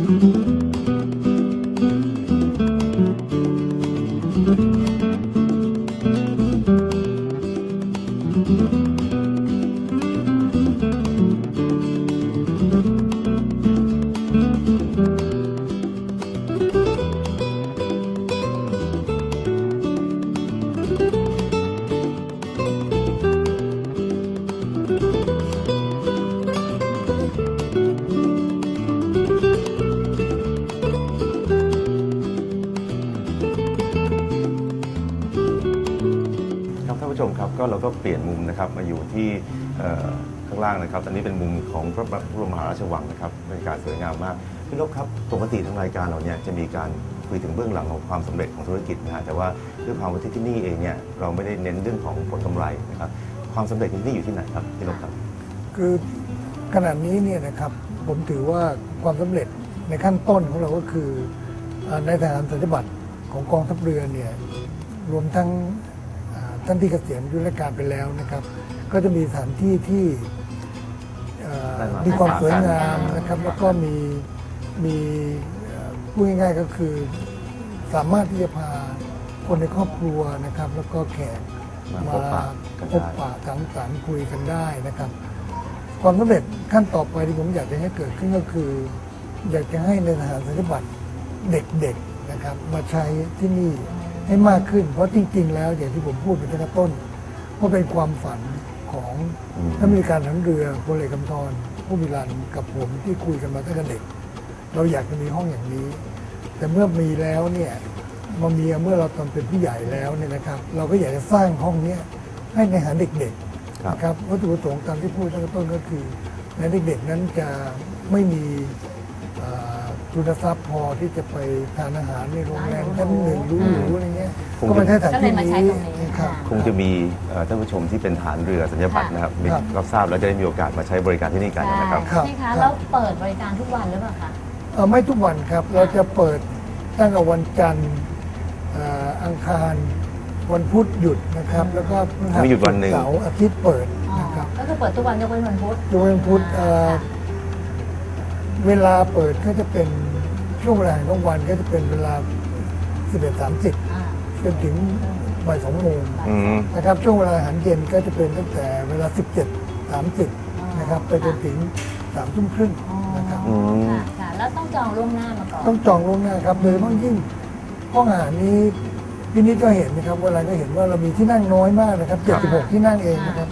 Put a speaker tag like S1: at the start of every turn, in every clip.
S1: ท่านผู้ชมครับก็เราก็เปลี่ยนมุมนะครับมาอยู่ที่ข้างล่างนะครับอันนี้เป็นมุมของพระบรมมหาราชวังนะครับบรรยากาศสวยงามมากพี่นพครับปกติทางรายการเราเนี่ยจะมีการคุยถึงเบื้องหลังของความสำเร็จของธุรกิจนะฮะแต่ว่าด้วยความว่าที่นี่เองเนี่ยเราไม่ได้เน้นเรื่องของผลกำไรนะครับความสำเร็จที่นี่อยู่ที่ไหนครับพี่นพครับ
S2: คือขณะนี้เนี่ยนะครับผมถือว่าความสำเร็จในขั้นต้นของเราก็คือในทหารสัญญบัตรของกองทัพเรือเนี่ยรวมทั้งท่านที่เกษียณยุทธการไปแล้วนะครับก็จะมีสถานที่ที่มีความสวยงามนะครับแล้วก็มีพูดง่ายๆก็คือสามารถที่จะพาคนในครอบครัวนะครับแล้วก็แขกมาพบปะสังสรรค์คุยกันได้นะครับความสำเร็จขั้นต่อไปที่ผมอยากจะให้เกิดขึ้นก็คืออยากจะให้ในทหารสัญญบัตรเด็กๆนะครับมาใช้ที่นี่ให้มากขึ้นเพราะจริงๆแล้วอย่างที่ผมพูดไปตั้งแต่ต้นว่าเป็นความฝันของท่านผู้การทหารเรือพลเอกกำธรผู้มีรันกับผมที่คุยกันมาตั้งแต่เด็กเราอยากจะมีห้องอย่างนี้แต่เมื่อมีแล้วเนี่ยเมื่อเราตอนเป็นผู้ใหญ่แล้วเนี่ยนะครับเราก็อยากจะสร้างห้องนี้ให้ในหาเด็กๆนะครับวัตถุประสงค์ตามที่พูดตั้งแต่ต้นก็คือในเด็กๆนั้นจะไม่มีทุนทรัพย์พอที่จะไปทานอาหารในโรงแรมชั้นหนึ่งหรูๆอะไรเงี้ยก็มาใช้สถานที่นี้
S1: คงจะมีท่านผู้ชมที่เป็นฐานเรือสัญญาบัตรนะครับรับทราบแล้วจะได้มีโอกาสมาใช้บริการที่นี่กันนะครับ
S3: ใช่คะแล้วเปิดบริการทุกวันหรือเปล่าคะ
S2: ไม่ทุกวันครับเราจะเปิดตั้งแต่วันจันทร์อังคารวันพุธหยุดนะครับแล้วก็
S1: มีหยุดวันหนึ่ง
S2: เสาร์อาทิตย์เปิดนะครับ
S3: ก็คือเปิดทุกวันยกเว้นวันพุธ
S2: ยกเว้นวันพุธเวลาเปิดก็จะเป็นช่วงเวลาของวันก็จะเป็นเวลา 11:30 จนถึงบ่าย 2 โมงนะครับช่วงเวลาอาหารเย็นก็จะเป็นตั้งแต่เวลา 17:30 นะครับไปจนถึง 3 ทุ่มครึ่งนะครับ
S3: ค่ะแล้วต้องจองล่วงหน้ามาก่อน
S2: ต้องจองล่วงหน้าครับโดยเฉพาะยิ่งห้องอาหารนี้พี่นิดก็เห็นนะครับเวลาก็เห็นว่าเรามีที่นั่งน้อยมากนะครับ76ที่นั่งเองนะครับ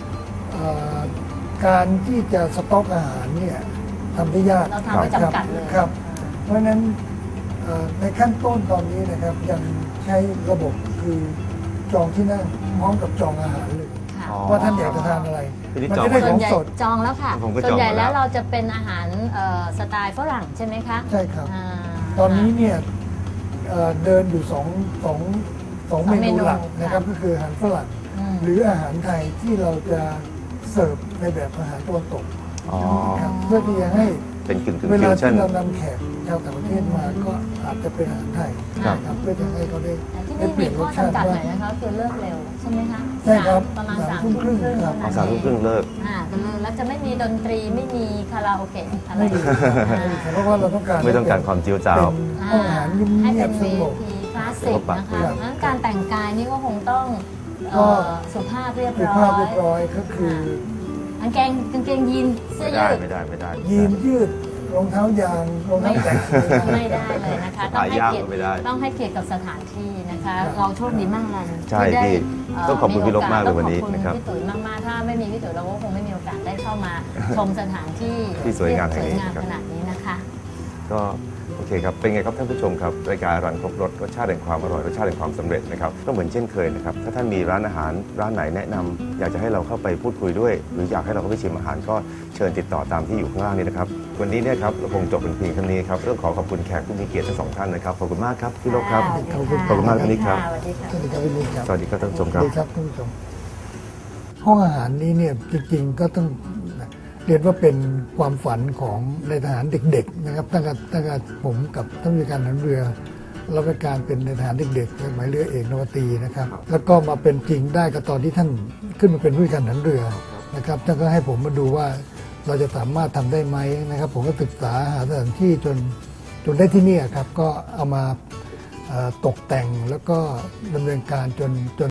S2: การที่จะสต็อกอาหารเนี่ยทำได้ยาก
S3: เราทำไม่จำกัดเลย
S2: ครับเพราะฉะนั้นในขั้นต้นตอนนี้นะครับยังใช้ระบบคือจองที่นั่งพร้อมกับจองอาหารเลยว่าท่านอยากจะทานอะไร
S1: มันจะ
S3: ได้ของสดจองแล้วค่ะส่วนใหญ่แล้วเราจะเป็นอาหารสไตล์ฝรั่งใช่ไหมคะ
S2: ใช่ครับตอนนี้เนี่ยเดินอยู่สองเมนูหลักนะครับก็คืออาหารฝรั่งหรืออาหารไทยที่เราจะเสิร์ฟในแบบอาหารตะวันตกเพื่อที่จะให้
S1: เป็นกึ่ง
S2: เวลาที่เรานำแขกชาวต่างประเทศมาก็อาจจะเป็นอาหารไทยครับเพื่อจะให้เขาได้
S3: เปลี่ยนรสชาติหน่อยนะคะคือเลิกเร็วใช่ไหมคะ
S2: ใช่ครับ
S3: ประมาณ
S2: 3 ทุ่มครึ่ง
S1: ครับ3 ทุ่มครึ่งเลิก
S3: แล้วจะไม่มีดนตรีไม่มีคาราโอเกะอะไร
S2: เพราะว่าเราต้องการ
S1: ไม่ต้องการความเจียวจ้าว
S2: ห้องอาหาร
S3: ให้
S2: เงี
S3: เ
S2: ยบสงบ
S3: คลาสสิกนะคะการแต่งกายนี่ก็คงต้องสุภาพเรียบ
S2: ร้อยก็คือก
S3: างเกงยีนเสื้อยืด
S1: ไม่ได้
S2: ยีนยืดรองเท้ายางรองเท้าแตะ
S3: ไม่ได้เลยนะคะต้องให้เกียรติกับสถานที่นะคะเราโชคดีมากเลย
S1: ใช่พี่ต้องขอบคุณพี่ลบมากเลยวันนี้
S3: นะครับพี่ตุ๋ยมากๆถ้าไม่มีพี่ตุ๋ยเราก็คงไม่มีโอกาสได้เข้ามาชมสถานที่
S1: ที่สวยงาม
S3: ขนาดนี้นะคะ
S1: ก็โอเคครับเป็นไงครับท่านผู้ชมครับรายการรันครบรสรสชาติแห่งความอร่อยรสชาติแห่งความสำเร็จนะครับก็เหมือนเช่นเคยนะครับถ้าท่านมีร้านอาหารร้านไหนแนะนำอยากจะให้เราเข้าไปพูดคุยด้วยหรืออยากให้เราเข้าไปชิมอาหารก็เชิญติดต่อตามที่อยู่ข้างล่างนี้นะครับวันนี้เนี่ยครับเราคงจบเป็นเพียงเท่านี้ครับต้องขอบคุณแขกผู้มีเกียรติทั้ง2 ท่านนะครับขอบคุณมากครับพี่ลบครับขอบคุณมากท่านนี้ครับสวัสดีครับท่านผู้ชมครับ
S2: สวัสดีครับท่านผู้ชมห้องอาหารนี้เนี่ยจริงๆก็ต้องเรียนว่าเป็นความฝันของในทหารเด็กๆนะครับตั้งแต่ผมกับท่านผู้การทหารเรือเราเป็นการเป็นในทหารเด็กๆหมายเรือเอกนวตรีนะครับแล้วก็มาเป็นจริงได้ก็ตอนที่ท่านขึ้นมาเป็นผู้การทหารเรือนะครับท่านก็ให้ผมมาดูว่าเราจะสามารถทำได้ไหมนะครับ ผมก็ศึกษาหาสถานที่จนได้ที่นี่ครับก็เอามาตกแต่งแล้วก็ดำเนินการจน